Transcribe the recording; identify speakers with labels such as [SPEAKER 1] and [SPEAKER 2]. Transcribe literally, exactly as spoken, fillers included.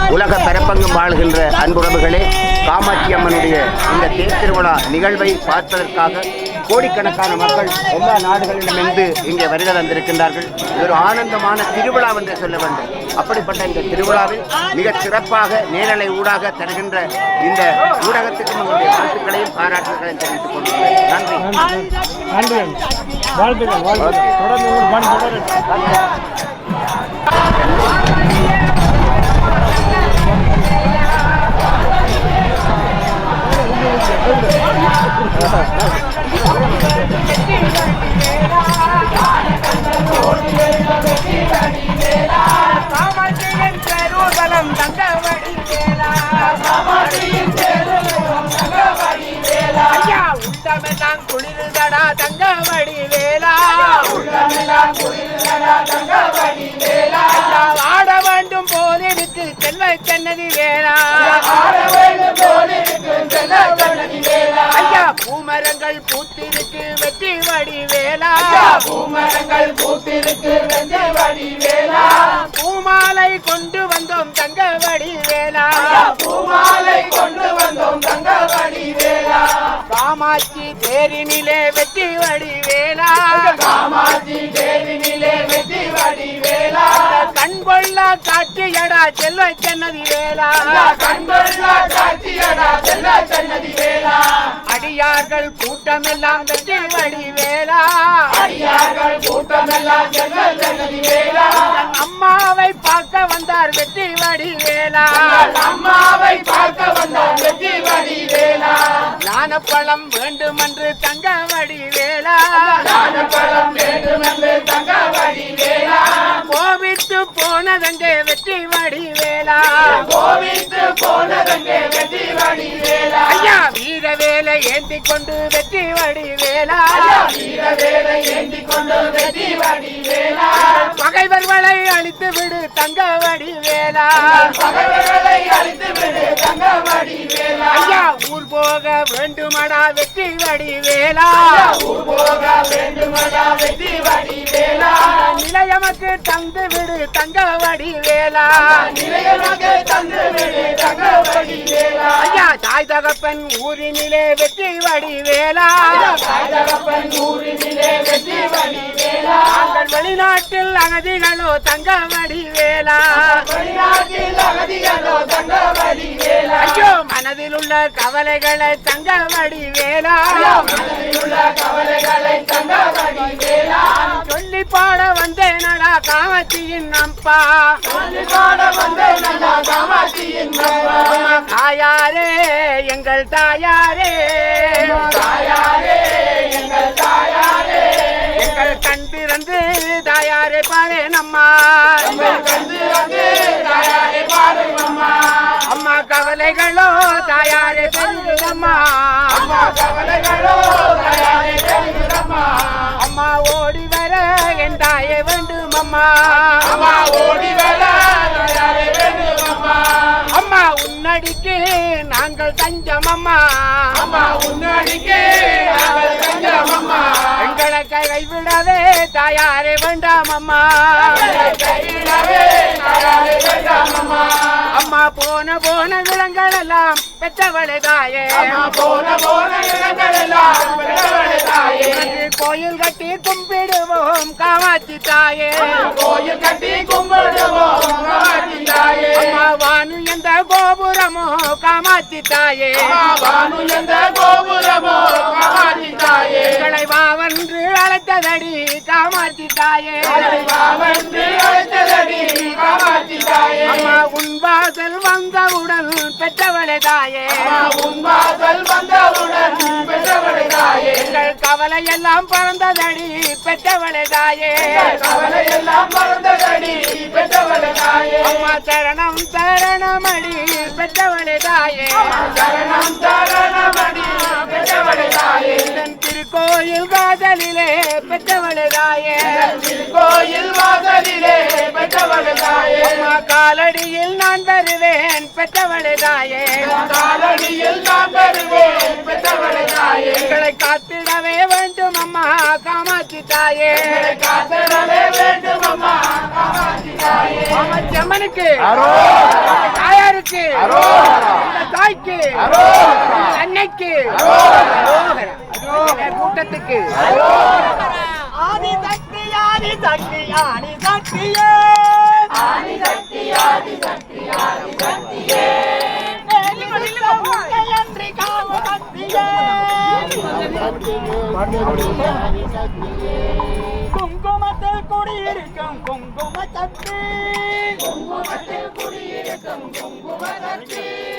[SPEAKER 1] உலக பரப்பங்கும் வாழ்கின்ற அன்புறவுகளே, காமாட்சி அம்மனுடைய இந்த தேர் திருவிழா நிகழ்வை பார்ப்பதற்காக கோடிக்கணக்கான மக்கள் எல்லா நாடுகளிலுமிருந்து இங்கே வருகை தந்திருக்கின்றார்கள். இது ஒரு ஆனந்தமான திருவிழா என்று சொல்ல வேண்டும். அப்படிப்பட்ட இந்த திருவிழாவில் மிக சிறப்பாக நேரலை ஊடாக தருகின்ற இந்த ஊடகத்துக்கும் நம்முடைய வாழ்த்துக்களையும் பாராட்டுகளையும் தெரிவித்துக் கொள்கிறேன். நன்றி.
[SPEAKER 2] நன்றி. வாழ்த்துக்கள். வாழ்த்துக்கள். தொடர்ந்து
[SPEAKER 3] குளிர்தடா தங்கவடி வேலா, ஆட வேண்டும் போதிருக்கு செல்வ சன்னதி வேலா, ஐயா பூமரங்கள் பூத்திருக்கு வெற்றி வடி வேலா, பூமரங்கள் பூத்திருக்கு வெற்றி வடி வேலா, பூமாலை கொண்டு வந்தோம் தங்கவடி வேலா, பூமாலை கொண்டு வந்தோம் தங்கவடி வேலா, காமாட்சி தேரினிலே வெற்றி வடி வேலா, காமாட்சி தேரினிலே வெற்றி வடி வேலா, கண்கொள்ளா காட்சியடா செல்வ சன்னதி வேலா, கண்கொள்ளா காட்சியடா செல்வ சன்னதி வேலா, அடியார்கள் கூட்டமெல்லாம் வெற்றி வடி வேலா, அடியார்கள் கூட்டமெல்லாம் செல்வ சன்னதி வேலா, அம்மாவை பார்க்க வந்தார் வெற்றி வடி வேலா, அம்மாவை பார்க்க வந்தார் வெற்றி வடி வேலா, ஞானப்பழம் வேண்டுமென்று தங்கவடி வேலா, ஞானப்பழம் வேண்டுமென்று தங்கவடி வேலா, கோவித்து போனதங்கே வெற்றி வடி வேலா, கோவித்து போனதங்கே வெற்றி வடி வேலா, ஐயா வீர வேலை ஏந்தி கொண்டு வெற்றி வடி வேலா, வீர வேலை ஏந்தி கொண்டு வெற்றி வடி வேலா, பகைவர்களை அழித்து விடு தங்கவடி வேலா, பகைவர்களை அழித்து விடு தங்கவடி வேலா, ஐயா ஊர் போக வேண்டுமடா வெற்றி வடி வேலா, ஊர் போக வேண்டுமடா வெற்றி வடி வேலா, நிலையமக்கு தந்து விடு தங்கவடி வேலா, நிலையமக்கு தந்து விடு தங்கவடி வேலா, ஐயா தாய் தகப்பன் ஊரினிலே வெற்றி வடி வேலா, தாய் தகப்பன் ஊரினிலே வெற்றி வடி வேலா, நாங்கள் வெளிநாட்டில் அகதிகளோ தங்கவடி வேலா, வெளிநாட்டில் அகதிகளோ தங்கவடி வேலா, ஐயோ மனதில் உள்ள கவலைகளை தங்கவடி வேலா, மனதில் உள்ள கவலைகளை தங்கவடி வேலா, சொல்லி பாட வந்தேனடா காமாட்சியின் அப்பா, சொல்லி பாட வந்தேனடா காமாட்சியின் அப்பா, தாயாரே எங்கள் தாயாரே, தாயாரே எங்கள் தாயாரே, எங்கள் கண் திறந்து தாயாரே பாரு நம்மா, கண் திறந்து தாயாரே பாரு நம்மா, அம்மா கவலைகளோ தாயாரே பெருகுதம்மா, அம்மா கவலைகளோ தாயாரே பெருகுதம்மா, அம்மா ஓடி வர என் தாயே வேண்டும் அம்மா, அம்மா ஓடி வர தாயாரே வேண்டும் அம்மா, அம்மா உன்னடிக்கு நாங்கள் தஞ்சம் அம்மா, அம்மா உன்னடிக்கு நாங்கள் தஞ்சம் அம்மா, எங்களை கைவிடவே தாயாரே வேண்டாம் அம்மா, கைவிடவே தாயாரே வேண்டாம் அம்மா, அம்மா போன போன விலங்கள் எல்லாம் பெற்றவளே தாயே, அம்மா போன போன விலங்கள் எல்லாம் பெற்றவளே தாயே, கோயில் கட்டி கும்பிடுவோம் காமாட்சி தாயே, கோயில் கட்டி கும்பிடுவோம் காமாட்சி தாயே, அம்மா வானு எந்த கோபுரமோ காமாட்சி தாயே, வானு எந்த கோபுரமோ காமாட்சி தாயே, எங்களை வாவென்று அழைத்ததடி காமாட்சி தாயே, வாவென்று அழைத்ததடி காமாட்சி தாயே, அம்மா உன் வாசல் வந்தவுடன் பெற்றவளே தாயே, உன் வாசல் வந்தவுடன் பெற்றவளே தாயே, எங்கள் கவலை எல்லாம் பறந்ததடி பெற்றவளே தாயே, கவலை எல்லாம் பறந்ததடி பெற்றவளே தாயே, அம்மா சரணம் சரணமடி பெற்றவளே தாயே, சரணம் சரணமடி பெற்றவளே தாயே, திருக்கோயில் வாசலிலே பெற்றவளே தாயே, திருக்கோயில் வாசலிலே பெற்றவளே தாயே, அம்மா காலடியில் நான் வருவேன் பெற்றவளே தாயே, காலடியில் நான் வருவேன் பெற்றவளே தாயே, எங்களை காத்திடவே வேண்டும் அம்மா காமாட்சி தாயே, காத்திடவே வேண்டும் அம்மா காமாட்சி தாயே, காமாட்சி அம்மனுக்கு அம்மனுக்கு
[SPEAKER 1] அரோகரா.
[SPEAKER 3] இந்த தாய்க்கு
[SPEAKER 1] அரோகரா.
[SPEAKER 3] அன்னைக்கு
[SPEAKER 1] அரோகரா.
[SPEAKER 3] இந்த கூட்டத்துக்கு
[SPEAKER 4] ஆதி சக்தி ஆதி சக்தி ஆதி சக்தியே ஆதி சக்தி ஆதி சக்தி ஆதி சக்தியே அன்றி காம சக்தியே குங்குமத்தில் குடியிருக்கும் குங்கும சக்தி குங்குமத்தில் குடியிருக்கும் குங்கும சக்தி